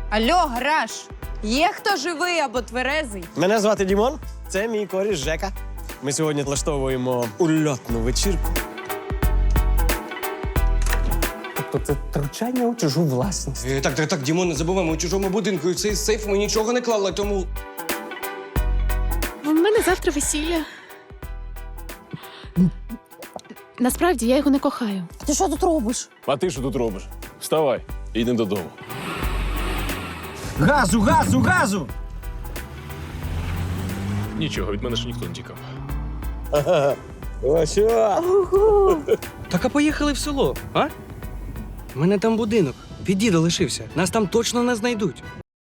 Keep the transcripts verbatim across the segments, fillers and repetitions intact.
Алло, гараж! Є хто живий або тверезий? Мене звати Дімон, це мій коріш Жека. Ми сьогодні влаштовуємо ульотну вечірку. Тобто це втручання у чужу власність. Е, так, так, так, Дімон, не забуваємо, у чужому будинку і в цей сейф ми нічого не клали, тому... У мене завтра весілля. Насправді я його не кохаю. Ти що тут робиш? А ти що тут робиш? Вставай, йдемо додому. Газу, газу, газу! Нічого, від мене ж ніхто не тікав. О, що? Так, а поїхали в село, а? У мене там будинок. Від діда лишився. Нас там точно не знайдуть.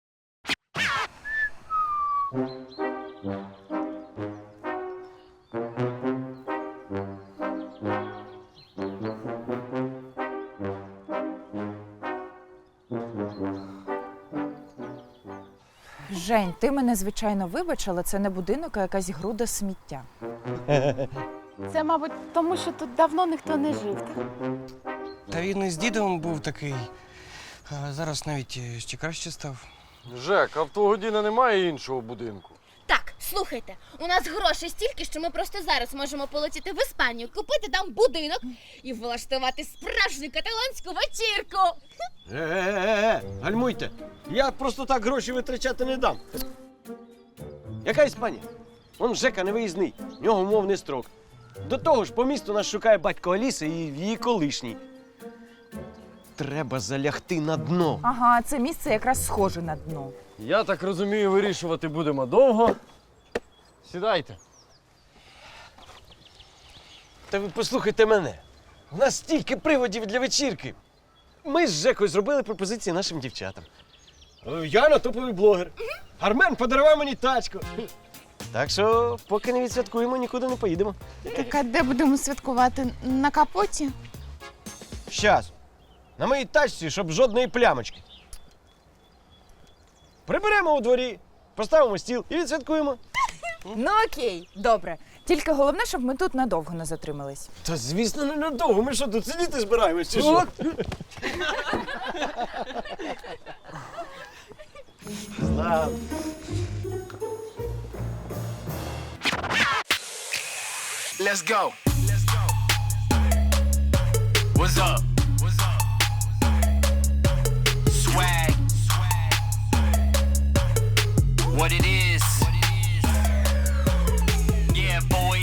Жень, ти мене, звичайно, вибач, але це не будинок, а якась груда сміття. Це, мабуть, тому що тут давно ніхто не жив. Так? Та він і з дідом був такий. А зараз навіть е, ще краще став. Жек, а в твого діда немає іншого будинку? Так, слухайте, у нас грошей стільки, що ми просто зараз можемо полетіти в Іспанію, купити там будинок і влаштувати справжню каталонську вечірку. Е-е-е, гальмуйте. Я просто так гроші витрачати не дам. Яка Іспанія? Он Жека невиїзний, в нього умовний строк. До того ж, по місту нас шукає батько Аліси і її колишній. Треба залягти на дно. Ага, це місце якраз схоже на дно. Я так розумію, вирішувати будемо довго. Сідайте. Та ви послухайте мене. У нас стільки приводів для вечірки. Ми з Жекою зробили пропозиції нашим дівчатам. Е, Яна топовий блогер. Армен подарував мені тачку. Так що, поки не відсвяткуємо, нікуди не поїдемо. Так, а де будемо святкувати? На капоті? Щас. На моїй тачці, щоб жодної плямочки. Приберемо у дворі, поставимо стіл і відсвяткуємо. Ну окей, добре. Тільки головне, щоб ми тут надовго не затримались. Та звісно, не надовго. Ми що, тут сидіти збираємось чи що? Знав. Let's go. What's up? What's up? Swag. What it is? Yeah, boy.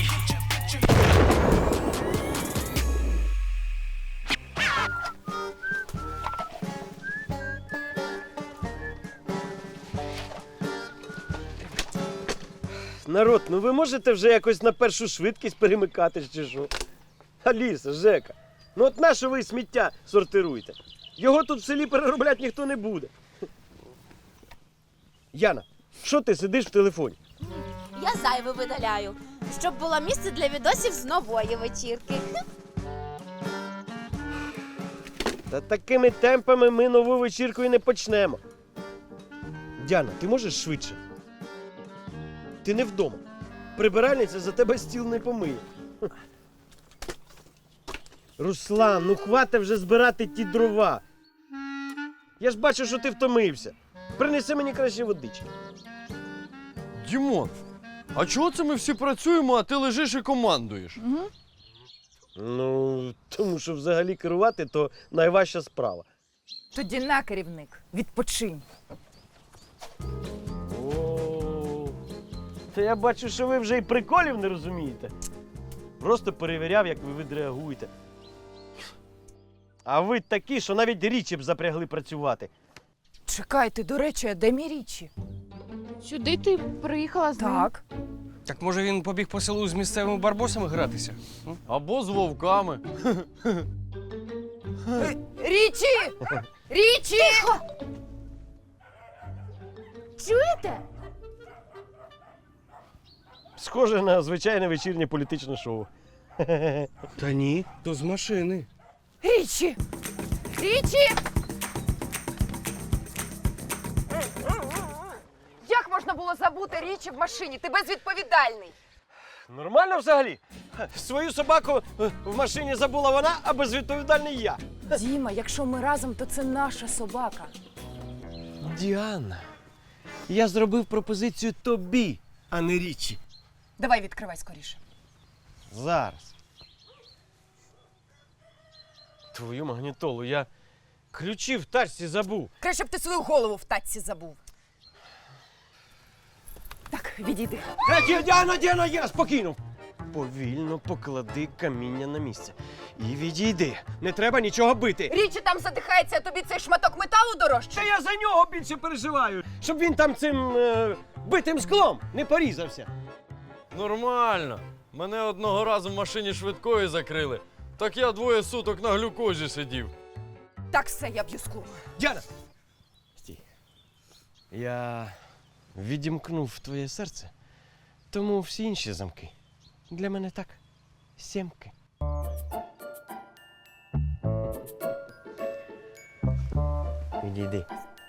Народ, ну ви можете вже якось на першу швидкість перемикатись чи що? Аліса, Жека, ну от на що ви сміття сортируєте? Його тут в селі переробляти ніхто не буде. Яна, що ти сидиш в телефоні? Я зайве видаляю, щоб було місце для відосів з нової вечірки. Та такими темпами ми нову вечірку і не почнемо. Діана, ти можеш швидше? Ти не вдома. Прибиральниця за тебе стіл не помиє. Руслан, ну хвата вже збирати ті дрова. Я ж бачу, що ти втомився. Принеси мені краще водички. Дімон, а чого це ми всі працюємо, а ти лежиш і командуєш? Ну, тому що взагалі керувати то найважча справа. Тоді на, керівник, відпочинь. О, та я бачу, що ви вже і приколів не розумієте. Просто перевіряв, як ви відреагуєте. А ви такі, що навіть річі б запрягли працювати. Чекайте, до речі, а де мій річі? Сюди ти приїхала з ним? Так. Так може він побіг по селу з місцевими барбосами гратися? Або з вовками. Річі! Річі! Чуєте? Схоже на звичайне вечірнє політичне шоу. Та ні, то з машини. Річі! Річі! Як можна було забути річі в машині? Ти безвідповідальний. Нормально взагалі? Свою собаку в машині забула вона, а безвідповідальний я. Діма, якщо ми разом, то це наша собака. Діана, я зробив пропозицію тобі, а не Річі. Давай відкривай скоріше. Зараз. Твою магнітолу, я ключі в тачці забув. Краще б ти свою голову в татці забув. Так, відійди. Е, Діана, Діана, я спокійно. Повільно поклади каміння на місце. І відійди. Не треба нічого бити. Річі там задихається, а тобі цей шматок металу дорожче. Та я за нього більше переживаю, щоб він там цим е, битим склом не порізався. Нормально. Мене одного разу в машині швидкої закрили. Так я двоє суток на глюкозі сидів. Так, все, я б'ю скло. Діана! Стій. Я відімкнув твоє серце, тому всі інші замки для мене так. Сімки. Відійди.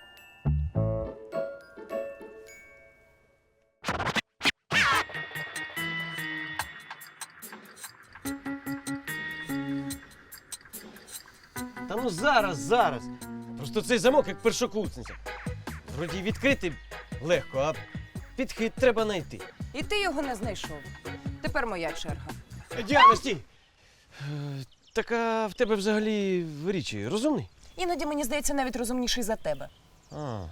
Та ну зараз, зараз. Просто цей замок як першокурсниця. Вроді й відкрити легко, а підхід треба знайти. І ти його не знайшов. Тепер моя черга. Діана, стій! Е, Так а в тебе взагалі в Річі розумний? Іноді, мені здається, навіть розумніший за тебе. А.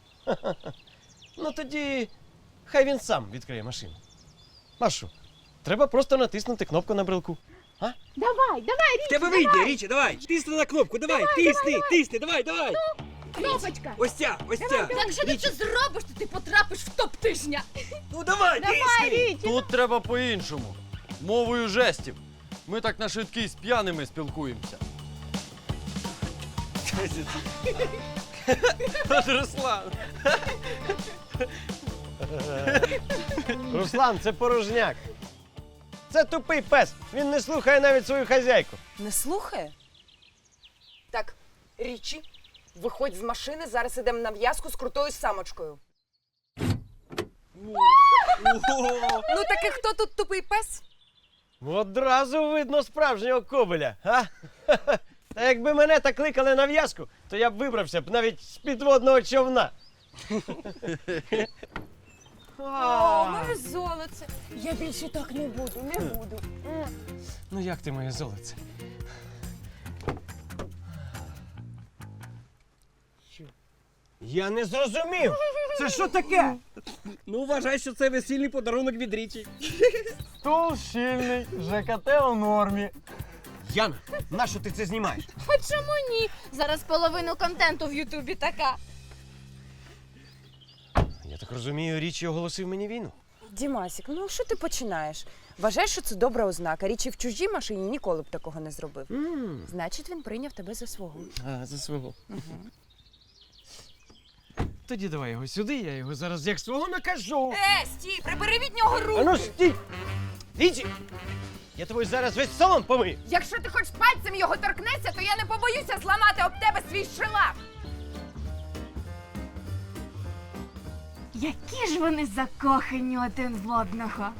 Ну тоді хай він сам відкриє машину. А що? Треба просто натиснути кнопку на брелку. Давай, давай, В тебе вийде, Річі, давай! Тисни на кнопку, давай, тисни, тисни, давай, давай! кнопочка. Ось ця, ось ця! Якщо ти це зробиш, то ти потрапиш в топ тижня. Ну давай, тисни! Тут треба по-іншому. Мовою жестів. Ми так на швидкій з п'яними спілкуємося. От Руслан. Руслан, це порожняк. Це тупий пес. Він не слухає навіть свою хазяйку. Не слухає? Так, Річі, виходь з машини, зараз ідемо на в'язку з крутою самочкою. Ну таки хто тут тупий пес? Одразу видно справжнього кобеля, а? Та якби мене так кликали на в'язку, то я б вибрався б навіть з підводного човна. О, моє золоце. Я більше так не буду, не буду. Ну як ти, моє золоце? Я не зрозумів. Це що таке? Ну, вважай, що це весільний подарунок від Річі. Стул щільний, ЖКТ у нормі. Яна, нащо ти це знімаєш? А чому ні? Зараз половину контенту в Ютубі така. Я так розумію, Річі оголосив мені війну. Дімасік, ну що ти починаєш? Вважаєш, що це добра ознака. Річі в чужій машині ніколи б такого не зробив. Mm. Значить, він прийняв тебе за свого. А, за свого. Угу. Тоді давай його сюди, я його зараз як свого накажу. Е, стій, прибери від нього А руку! ну стій! Річі! Я тобі зараз весь салон помию. Якщо ти хоч пальцем його торкнешся, то я не побоюся зламати об тебе свій шилак. Які ж вони закохані один в одного.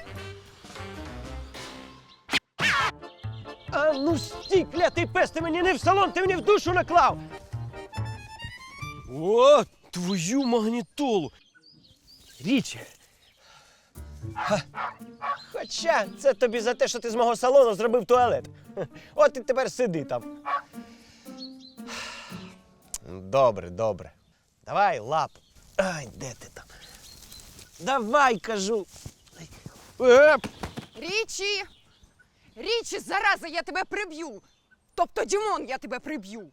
А ну стій, клятий пес, ти мені не в салон, ти мені в душу наклав. О, твою магнітолу. Річі. Ха. Хоча це тобі за те, що ти з мого салону зробив туалет. Хе. От і тепер сиди там. Добре, добре. Давай лапу. Ай, де ти там? Давай, кажу. Е, Річі! Річі, зараза, я тебе приб'ю! Тобто, Дімон, я тебе приб'ю!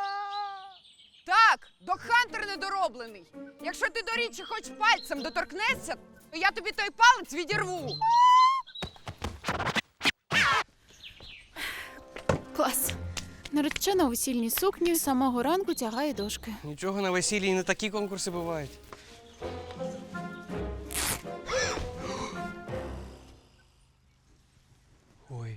Так, докхантер недороблений. Якщо ти до Річі хоч пальцем доторкнешся, то я тобі той палець відірву. Клас. Наречена у весільній сукні з самого ранку тягає дошки. Нічого, на весіллі і не такі конкурси бувають. Ой.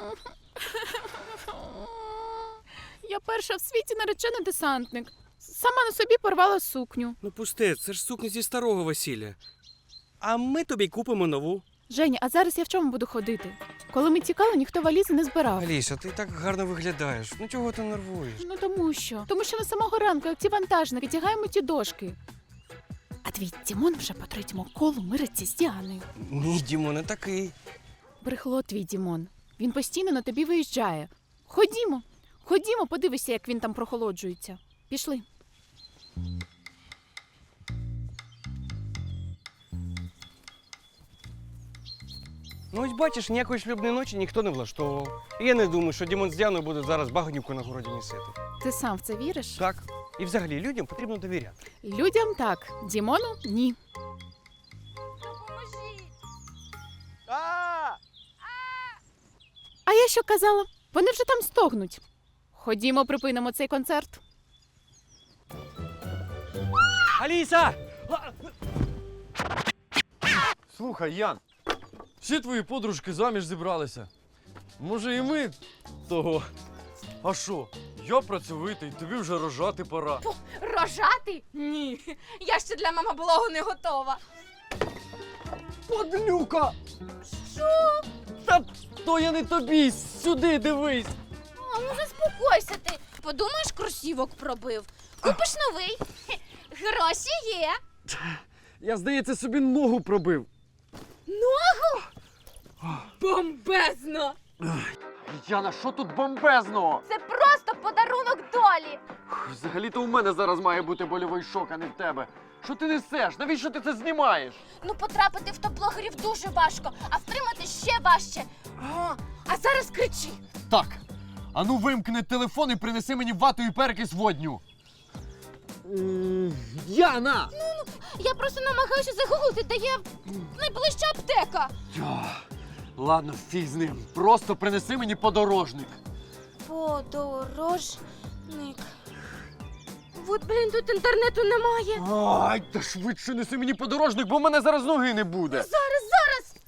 Я перша в світі наречена десантник. Сама на собі порвала сукню. Ну пусте, це ж сукня зі старого весілля. А ми тобі купимо нову. Женя, а зараз я в чому буду ходити? Коли ми тікали, ніхто валізи не збирав. Аліса, ти так гарно виглядаєш. Ну чого ти нервуєш? Ну тому що. Тому що ми з самого ранку, як ці вантажники, тягаємо ті дошки. А твій Дімон вже по третьому колу мириться з Діаною. Ні, Дімо, не такий. Брехло твій Дімон. Він постійно на тобі виїжджає. Ходімо, ходімо, подивися, як він там прохолоджується. Пішли. Ну ось бачиш, ніякої шлюбної ночі ніхто не влаштовував. І я не думаю, що Дімон з Діаною буде зараз багнюку на городі місити. Ти сам в це віриш? Так. І взагалі людям потрібно довіряти. Людям так, Дімону ні. А! А я що казала? Вони вже там стогнуть. Ходімо, припинимо цей концерт. Аліса! Слухай, Ян, всі твої подружки заміж зібралися. Може, і ми того. А що? Я працьовитий, тобі вже рожати пора. Рожати? Ні. Я ще для мамоблогу не готова. Подлюка! Що? Та то я не тобі, сюди дивись. А ну заспокойся ти. Подумаєш, кросівок пробив. Купиш новий. Хе, гроші є. Я, здається, собі ногу пробив. Бомбезно! Яна, що тут бомбезного? Це просто подарунок долі. Взагалі-то у мене зараз має бути больовий шок, а не в тебе. Що ти несеш? Навіщо ти це знімаєш? Ну, потрапити в топ-блогерів дуже важко, а втримати ще важче. О, а зараз кричи. Так, ану вимкни телефон і принеси мені вату і перекись водню. Яна! Я просто намагаюся загуглити, де є найближча аптека. Ладно, фіг з ним. Просто принеси мені подорожник. Подорожник. От, блін, тут інтернету немає. Ай, та швидше неси мені подорожник, бо в мене зараз ноги не буде. Зараз, зараз.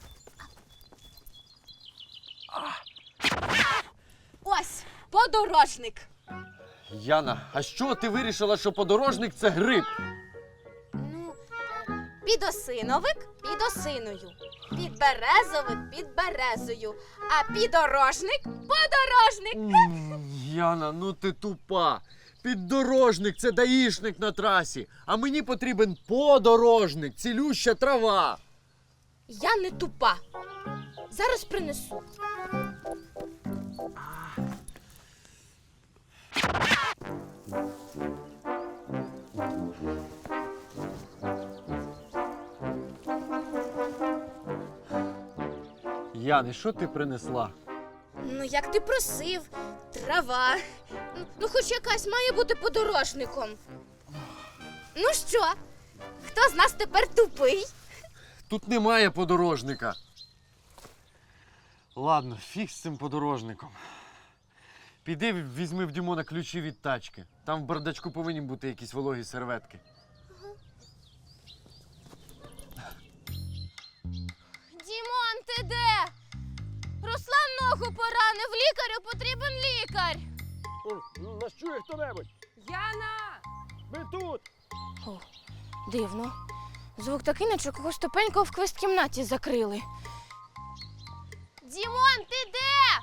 Ось, подорожник. Яна, а що ти вирішила, що подорожник це гриб? Ну, підосиновик під осиною, підберезовик під березою, а підорожник подорожник. М, Яна, ну ти тупа. Піддорожник це даїшник на трасі, а мені потрібен подорожник, цілюща трава. Я не тупа. Зараз принесу. Яни, що ти принесла? Ну, як ти просив, трава. Ну, ну, хоч якась має бути подорожником. Ну що, хто з нас тепер тупий? Тут немає подорожника. Ладно, фіг з цим подорожником. Піди візьми в Дімона ключі від тачки. Там в бардачку повинні бути якісь вологі серветки. Дімон, ти де? Руслан ногу поранив, лікарю потрібен лікар. Нас чує хто-небудь? Яна! Ми тут! О, дивно. Звук такий, наче когось тупенького в квест-кімнаті закрили. Дімон, ти де?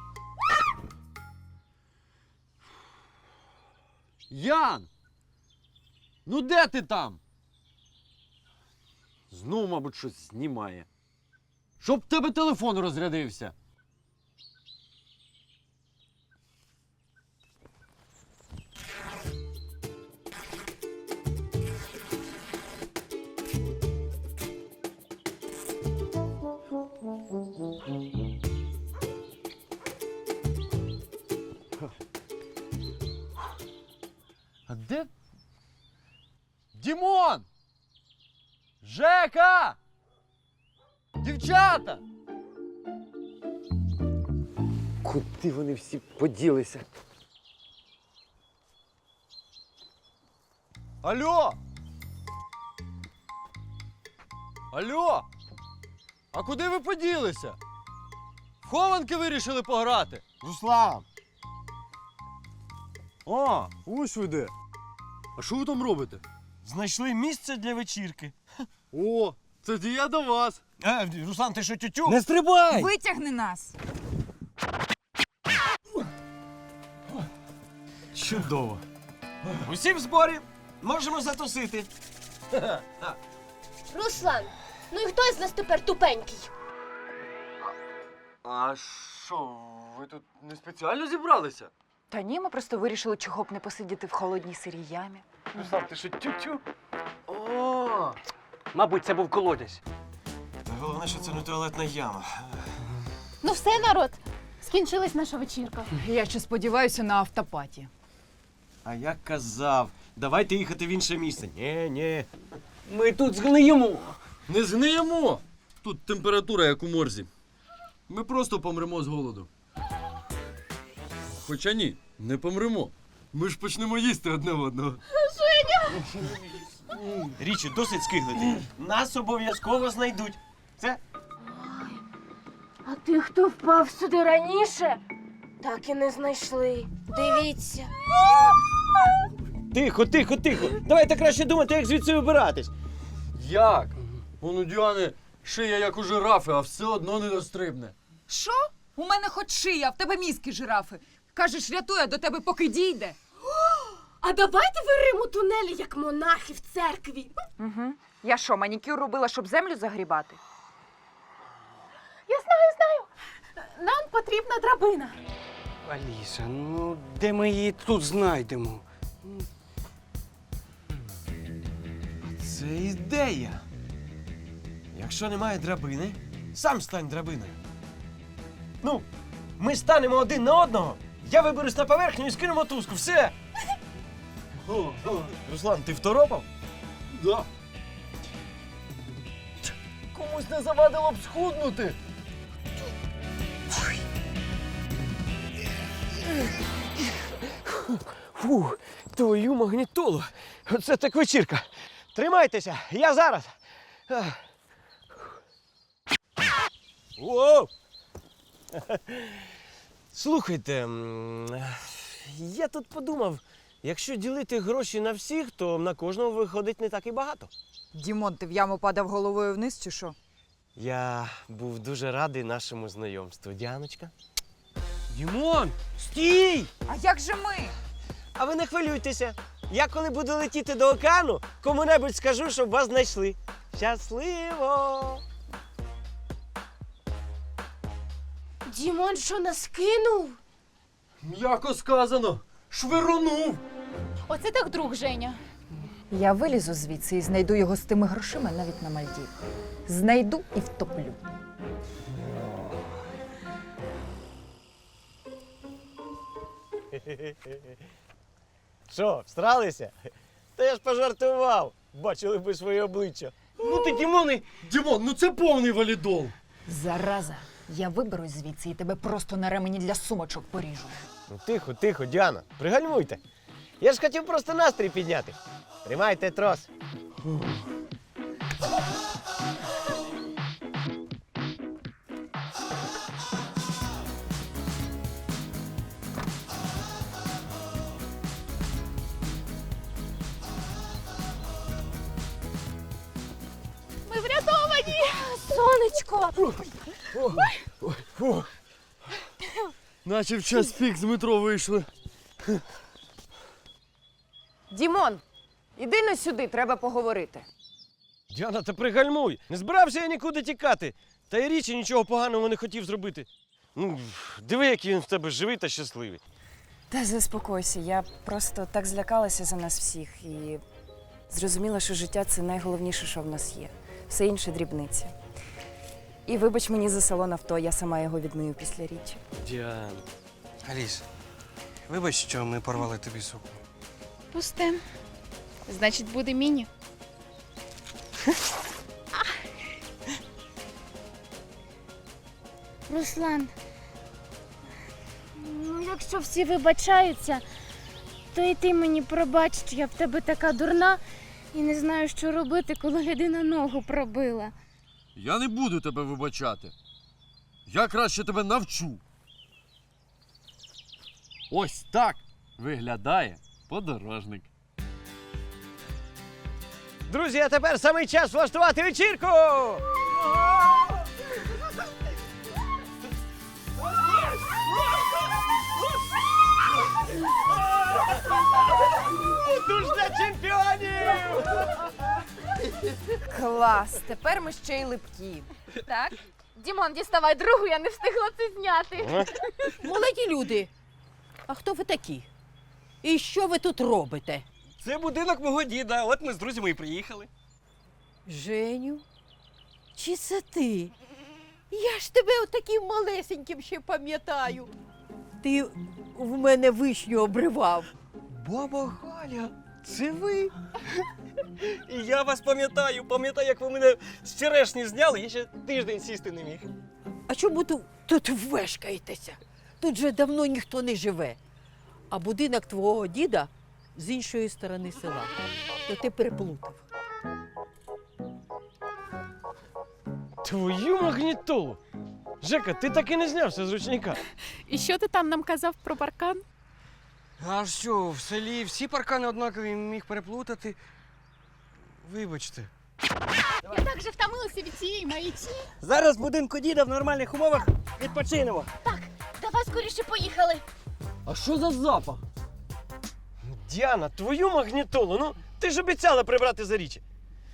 Ян! Ну де ти там? Знову, мабуть, щось знімає. Щоб в тебе телефон розрядився. А де? Дімон! Жека! Дівчата! Куди вони всі поділися? Алло! Алло! А куди ви поділися? В хованки вирішили пограти? Руслан! А, ось ви де. А що ви там робите? Знайшли місце для вечірки. О, Тоді я до вас. Е, Руслан, ти що, тютю? Не стрибай! Витягни нас! Чудово. Усі в зборі. Можемо затусити. Руслан, ну і хто із нас тепер тупенький? А що, ви тут не спеціально зібралися? Та ні, ми просто вирішили, чого б не посидіти в холодній сирій ямі. Руслан, ти що, тютю? О, Мабуть, це був колодязь. Головне, що це не туалетна яма. Ну все, народ, скінчилась наша вечірка. Я ще сподіваюся на автопаті. А я казав, давайте їхати в інше місце. Ні, ні. Ми тут згниємо. не згниємо. Тут температура, як у морзі. Ми просто помремо з голоду. Хоча ні, не помремо. Ми ж почнемо їсти одне одного. Річі, досить скиглити. Нас обов'язково знайдуть. Це А ти, хто впав сюди раніше, так і не знайшли. Дивіться. тихо, тихо, тихо. Давайте краще думати, як звідси вибиратись. Як? Вон у Діани шия як у жирафи, а все одно не дострибне. Що? У мене хоч шия, а в тебе мізки жирафи. Кажеш, рятує до тебе, поки дійде. А давайте виримо тунелі, як монахи в церкві. Угу. Я що, манікюр робила, щоб землю загрібати? Я знаю, знаю. Нам потрібна драбина. Аліса, ну де ми її тут знайдемо? Це ідея. Якщо немає драбини, сам стань драбиною. Ну, ми станемо один на одного. Я виберусь на поверхню і скину мотузку. Все. Руслан, ти второпав? Да. Комусь не завадило б схуднути. Фу, твою магнітолу. Оце так вечірка. Тримайтеся, я зараз. Ах. Воу! Слухайте, м, я тут подумав, якщо ділити гроші на всіх, то на кожного виходить не так і багато. Дімон, ти в яму падав головою вниз чи що? Я був дуже радий нашому знайомству. Діаночка. Дімон! Стій! А як же ми? А ви не хвилюйтеся. Я коли буду летіти до океану, кому-небудь скажу, щоб вас знайшли. Щасливо! Дімон що нас кинув? М'яко сказано. Швирунув. Оце так друг, Женя. Я вилізу звідси і знайду його з тими грошима навіть на Мальдів. Знайду і втоплю. Що, встралися? Та я ж пожартував. Бачили би своє обличчя. Ну ти, Дімони! Дімон, ну це повний валідол. Зараза, я виберусь звідси і тебе просто на ремені для сумочок поріжу. Ну, тихо, тихо, Діана, пригальмуйте. Я ж хотів просто настрій підняти. Тримайте трос. Ми врятовані! Сонечко! Наче в час пік з метро вийшли. Дімон, іди на сюди, треба поговорити. Діана, та пригальмуй. Не збирався я нікуди тікати. Та й річі нічого поганого не хотів зробити. Ну, диви, який він в тебе живий та щасливий. Та заспокойся, я просто так злякалася за нас всіх і зрозуміла, що життя це найголовніше, що в нас є. Все інше дрібниці. І вибач мені за салон авто, я сама його відмию після річі. Діана. Аліс, вибач, що ми порвали тобі сукню. Пусте. Значить, буде міні. Руслан, ну якщо всі вибачаються, то і ти мені пробач, що я в тебе така дурна і не знаю, що робити, коли людина ногу пробила. Я не буду тебе вибачати. Я краще тебе навчу. Ось так виглядає подорожник. Друзі, а тепер самий час влаштувати вечірку! Душ для чемпіонів! Клас, тепер ми ще й липкі. Так. Дімон, діставай другу, я не встигла це зняти. Молоді люди, а хто ви такі? І що ви тут робите? Це будинок мого діда, от ми з друзями і приїхали. Женю? Чи це ти? Я ж тебе отаким малесеньким ще пам'ятаю. Ти в мене вишню обривав. Баба Галя, це ви? І я вас пам'ятаю, пам'ятаю, як ви мене з черешні зняли, я ще тиждень сісти не міг. А чому тут, тут вешкаєтеся? Тут же давно ніхто не живе. А будинок твого діда з іншої сторони села. То ти переплутав. Твою магнітолу! Жека, ти так і не знявся з ручника. І що ти там нам казав про паркан? А що, в селі всі паркани однакові міг переплутати? Вибачте. Я так же втомилася від цієї маячні. Зараз в будинку діда в нормальних умовах відпочинемо. Давай скоріше поїхали. А що за запах? Діана, твою магнітолу, ну ти ж обіцяла прибрати за річі.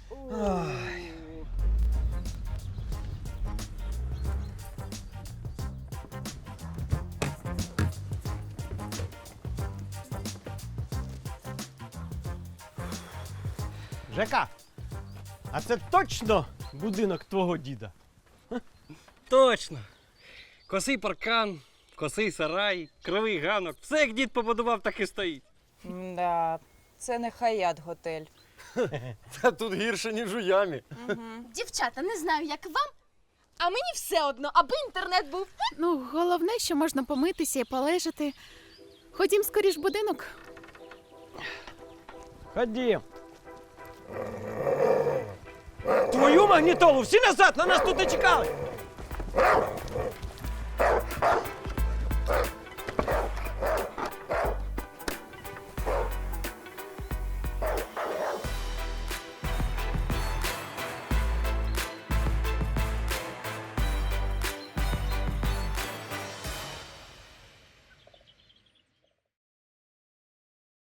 Жека, а це точно будинок твого діда? Точно. Косий паркан, косий сарай, кривий ганок. Все, як дід побудував, так і стоїть. Да, це не Хаят готель. Та тут гірше, ніж у ямі. Дівчата, не знаю, як вам, а мені все одно, аби інтернет був. Ну, головне, що можна помитися і полежати. Ходім скоріш в будинок. Ходім. Твою магнітолу, всі назад, на нас тут не чекали.